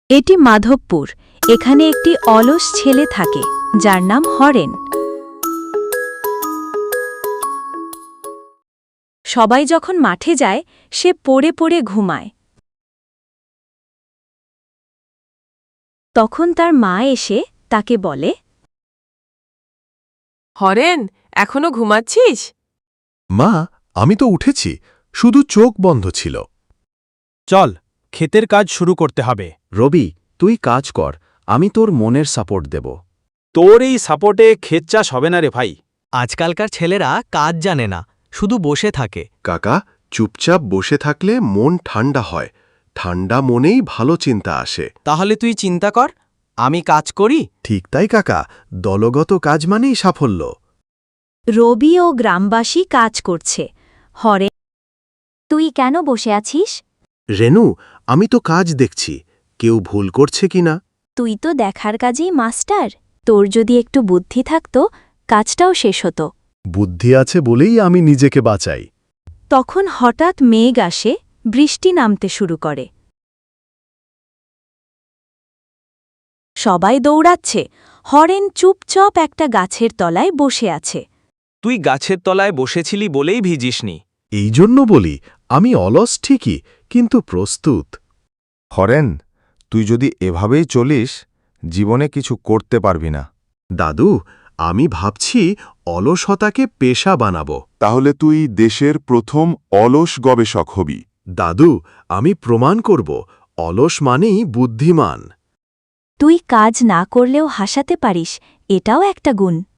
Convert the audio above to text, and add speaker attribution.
Speaker 1: এটি মাধবপুর। এখানে একটি অলস ছেলে থাকে যার নাম হরেন। সবাই যখন মাঠে যায় সে পড়ে পড়ে ঘুমায়। তখন তার মা এসে তাকে বলে,
Speaker 2: হরেন, এখনো ঘুমাচ্ছিস?
Speaker 3: মা, আমি তো উঠেছি, শুধু চোখ বন্ধ ছিল।
Speaker 4: চল, ক্ষেতের কাজ শুরু করতে হবে।
Speaker 5: রবি, তুই কাজ কর, আমি তোর মনের সাপোর্ট দেব।
Speaker 4: তোর এই সাপোর্টে ক্ষেত চাষ হবে না রে ভাই।
Speaker 6: আজকালকার ছেলেরা কাজ জানে না, শুধু বসে থাকে।
Speaker 3: কাকা, চুপচাপ বসে থাকলে মন ঠান্ডা হয়, ঠান্ডা মনেই ভালো চিন্তা আসে।
Speaker 6: তাহলে তুই চিন্তা কর, আমি কাজ করি।
Speaker 3: ঠিক তাই কাকা, দলগত কাজ মানেই সাফল্য।
Speaker 1: রবি ও গ্রামবাসী কাজ করছে। হরেন, তুই কেন বসে আছিস?
Speaker 3: রেনু, আমি তো কাজ দেখছি, কেউ ভুল করছে কিনা।
Speaker 1: তুই তো দেখার কাজেই মাস্টার। তোর যদি একটু বুদ্ধি থাকতো কাজটাও শেষ হতো।
Speaker 3: বুদ্ধি আছে বলেই আমি নিজেকে বাঁচাই।
Speaker 1: তখন হঠাৎ মেঘ আসে, বৃষ্টি নামতে শুরু করে। সবাই দৌড়াচ্ছে। হরেন চুপচাপ একটা গাছের তলায় বসে আছে।
Speaker 4: তুই গাছের তলায় বসেছিলি বলেই ভিজিসনি।
Speaker 3: এই জন্য বলি, আমি অলস ঠিকই, কিন্তু প্রস্তুত।
Speaker 7: হরেন, তুই যদি এভাবেই চলিস জীবনে কিছু করতে পারবি না।
Speaker 3: দাদু, আমি ভাবছি অলসতাকে পেশা বানাবো।
Speaker 7: তাহলে তুই দেশের প্রথম অলস গবেষক হবি।
Speaker 3: দাদু, আমি প্রমাণ করব অলস মানেই বুদ্ধিমান।
Speaker 1: তুই কাজ না করলেও হাসাতে পারিস, এটাও একটা গুণ।